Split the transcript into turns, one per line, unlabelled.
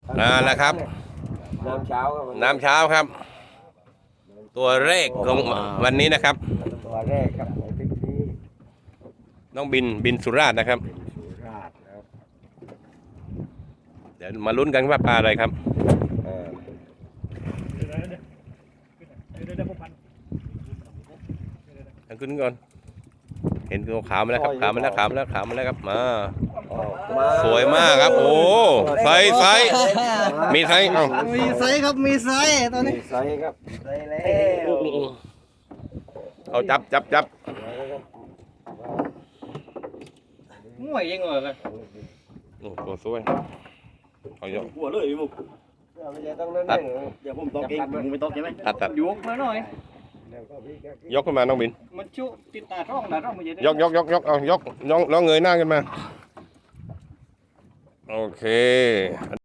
แล้วครับ
น้ำเช้าครับ
น้ำเช้าครับ ตัวแรกของวันนี้นะครับ
ตัวแรกครับในทริปนี้
น้องบินสุราษฎร์นะครับ
เป็นสุราษฎร์นะครับ
เดี๋ยวมาลุ้นกันว่าปลาอะไรครับ
เออ
เอาขึ้นก่อน เห็นตัวขาวมาแล้วครับขาวมาแล้วขาวมาแล้วขาวมาแล้วครับมา
ออกมา
สวยมากครับ โอ้ไซส์มีไซส์เอ้า
มีไซส์ครับมีไซส์ตอนนี้
มีไซส์ครับไซส์แล้ว
เอาจับ
ห่วยยังเหรอ
โอ้ตัวสวยเอาเยอะ
หัวเลยมุก
ไม่ใช่ต้องนั่นเลย
เดี๋ยวผมตอกเองมึงไม่ตอกใช่ไหม
ตัด
ยกมาหน่อย
แล้วก็พี่ก็
ยกขึ้นมาน้องบิน
มันชุติดตาร่องนะร่องมันจะได้
ยกเอายกน้องเงยหน้าขึ้นมา โอเค